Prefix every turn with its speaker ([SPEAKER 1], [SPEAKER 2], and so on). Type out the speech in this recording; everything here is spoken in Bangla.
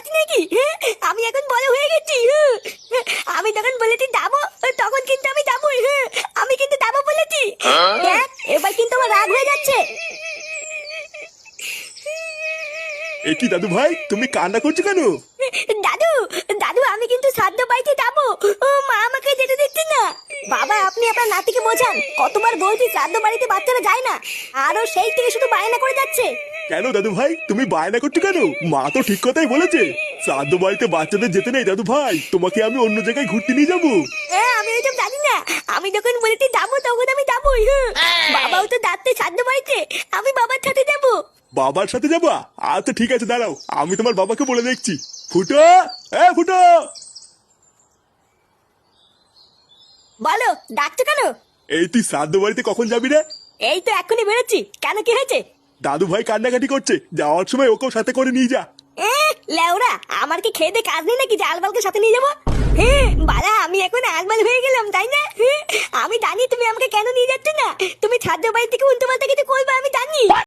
[SPEAKER 1] আছি নাকি? আমি এখন বড় হয়ে গেছি। আমি যখন বলেছি যাবো তখন কিন্তু আমি যাবোই। আমি কিন্তু যাবো বলেছি। এবার কিন্তু আমার রাগ হয়ে যাচ্ছে।
[SPEAKER 2] এ কি দাদু ভাই, তুমি কান্না করছো কেন?
[SPEAKER 1] দাদু, দাদু আমি কিন্তু শ্রাদ্ধ বাড়িতে যাবো। ও মা আমাকে যেতে দিচ্ছে না। বাবা আপনি আপনার নাতিকে বোঝান, কতবার বলছি শ্রাদ্ধ বাড়িতে বাচ্চারা যায় না, আরো সেই থেকে শুধু বায়না করে যাচ্ছে।
[SPEAKER 2] কেন দাদু ভাই, তুমি বায়না করছো কেন? মা তো ঠিক কথাই বলেছে, শ্রাদ্ধ বাড়িতে বাচ্চাদের যেতে নেই। দাদু ভাই, তোমাকে আমি অন্য জায়গায় ঘুরতে নিয়ে যাবো।
[SPEAKER 1] আমি ওইসব জানি না। আমি যখন বলেছি যাবো তখন আমি যাবোই। বাবাও তো যাচ্ছে শ্রাদ্ধ বাড়িতে, আমি বাবার সাথে যাবো।
[SPEAKER 2] বাবার সাথে যাবা? আচ্ছা ঠিক আছে, দাঁড়াও, আমি তোমার বাবাকে বলে দেখছি। ফুটো, ফুটো।
[SPEAKER 1] বলো, ডাকছো কেন?
[SPEAKER 2] এই তুই শ্রাদ্ধ বাড়িতে কখন যাবি রে?
[SPEAKER 1] এই তো এখনই বেরোচ্ছি। কেন, কি হয়েছে?
[SPEAKER 2] দাদু ভাই কান্নাকাটি করছে, যাওয়ার সময় ওকেও সাথে করে নিয়ে যা।
[SPEAKER 1] লেওরা, আমার কি খেয়ে কাজ নেই নাকি যে আলবালকে সাথে নিয়ে যাবো? বাড়া আমি এখন আলবাল হয়ে গেলাম তাই না? আমি জানি তুমি আমাকে কেন নিয়ে যাচ্ছ না। তুমি ছাদ্য বাড়ি থেকে উল্টো পাল্টা কিছু করবে আমি জানি।